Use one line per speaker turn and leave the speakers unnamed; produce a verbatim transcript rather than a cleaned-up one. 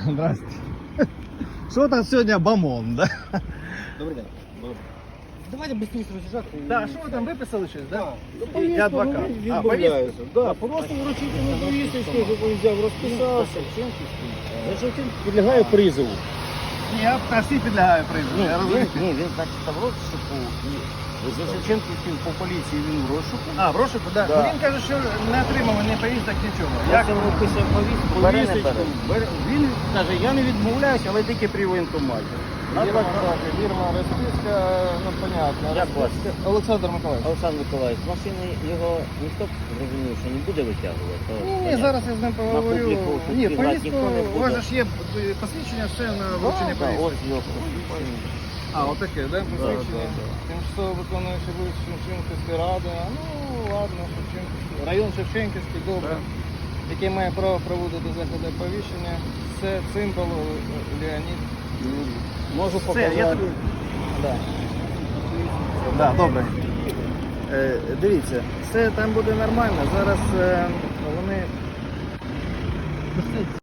Здрасте. Що там сьогодні бамон, да?
Добрий день. Давайте швидко роз'їжджати.
Так, що ви там виписали щось, да?
Да.
Я адвокат. А,
Відмовляюся. Да, просто вручити на повісточку, щоб він взяв, розписався. За Шевченко підлягає призову.
Ні, я всі підлягаю призову,
Ні,
я
він,
розумію.
ні, він так став в розшуку. І за Шевченківським по поліції він в розшуку.
А, в розшуку, да.
Да.
Ну, він каже, що не отримав ні повісток, нічого.
Я
Як?
йому писав повістку, бере, не бере. Бере. Він каже, я не відмовляюся, але тільки при воєнкоматі.
Фірма, фірма, розписка, ну, понятно.
Як вас?
Олександр Миколаївич.
Олександр Миколаївич, з машини його ніхто зрозумів, що не буде витягувати. то
Ні, ні,
понятно.
зараз я з ним поговорю.
публіку
Ні,
відкривати
повістку,
ніхто не буде.
у вас же ж є посвідчення, все на
Да,
вручення
да,
повістки.
ось його посвідчення.
А, отаке, да, посвідчення?
да, да.
Тимчасово виконуючий вулиць Шевченківської ради. А, ну, ладно, Шевченківський. Район Шевченківський, добре. Який має право проводити заходи оповіщення. Це Цимбал Леонід.
Можу
Все,
показати.
я тобі... Да. Да, добре. Е, дивіться, все там буде нормально. Зараз е, вони